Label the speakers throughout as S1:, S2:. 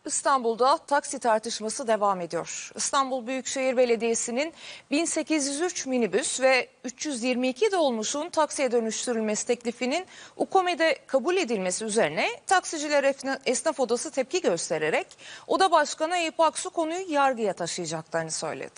S1: İstanbul'da taksi tartışması devam ediyor. İstanbul Büyükşehir Belediyesi'nin 1803 minibüs ve 322 dolmuşun taksiye dönüştürülmesi teklifinin UKOME'de kabul edilmesi üzerine Taksiciler Esnaf Odası tepki göstererek Oda Başkanı Eyüp Aksu konuyu yargıya taşıyacaklarını söyledi.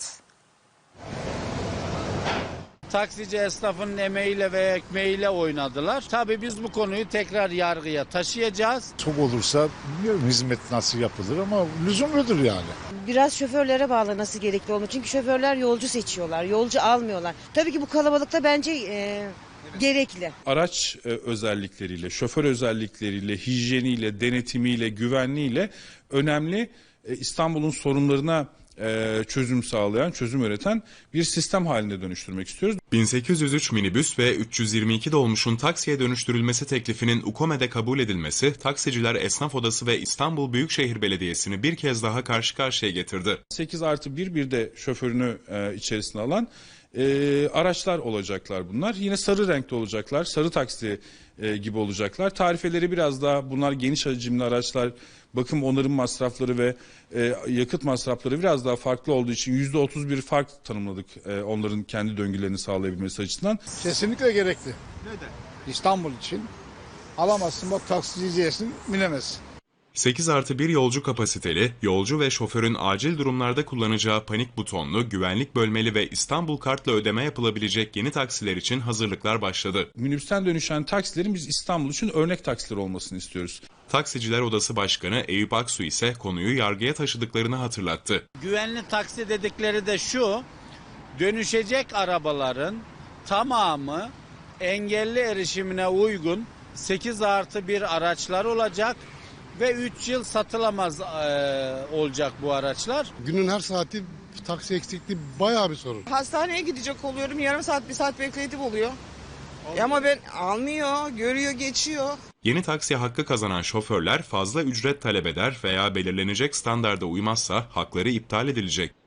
S2: Taksici esnafının emeğiyle ve ekmeğiyle oynadılar. Tabii biz bu konuyu tekrar yargıya taşıyacağız.
S3: Çok olursa bilmiyorum hizmet nasıl yapılır ama lüzumludur yani.
S4: Biraz şoförlere bağlanması gerekli olmuş. Çünkü şoförler yolcu seçiyorlar, yolcu almıyorlar. Tabii ki bu kalabalıkta bence gerekli.
S5: Araç özellikleriyle, şoför özellikleriyle, hijyeniyle, denetimiyle, güvenliğiyle önemli İstanbul'un sorunlarına çözüm sağlayan, çözüm üreten bir sistem haline dönüştürmek istiyoruz.
S6: 1803 minibüs ve 322 dolmuşun taksiye dönüştürülmesi teklifinin UKOME'de kabul edilmesi, Taksiciler Esnaf Odası ve İstanbul Büyükşehir Belediyesi'ni bir kez daha karşı karşıya getirdi.
S5: 8+1 bir de şoförünü içerisine alan araçlar olacaklar bunlar. Yine sarı renkte olacaklar, sarı taksi gibi olacaklar. Tarifeleri biraz daha, bunlar geniş hacimli araçlar, bakım onarım masrafları ve yakıt masrafları biraz daha farklı olduğu için %31 fark tanımladık onların kendi döngülerini sağlayabilmesi açısından.
S3: Kesinlikle gerekli. Neden? İstanbul için alamazsın, bak taksici diyesin, binemezsin.
S6: 8+1 yolcu kapasiteli, yolcu ve şoförün acil durumlarda kullanacağı panik butonlu, güvenlik bölmeli ve İstanbul kartla ödeme yapılabilecek yeni taksiler için hazırlıklar başladı.
S5: Minibüsten dönüşen taksilerin biz İstanbul için örnek taksiler olmasını istiyoruz.
S6: Taksiciler Odası Başkanı Eyüp Aksu ise konuyu yargıya taşıdıklarını hatırlattı.
S2: Güvenli taksi dedikleri de şu: dönüşecek arabaların tamamı engelli erişimine uygun 8+1 araçlar olacak ve 3 yıl satılamaz olacak bu araçlar.
S3: Günün her saati taksi eksikliği bayağı bir sorun.
S7: Hastaneye gidecek oluyorum. Yarım saat, bir saat bekletim oluyor. Ama ben almıyor, görüyor, geçiyor.
S6: Yeni taksi hakkı kazanan şoförler fazla ücret talep eder veya belirlenecek standarda uymazsa hakları iptal edilecek.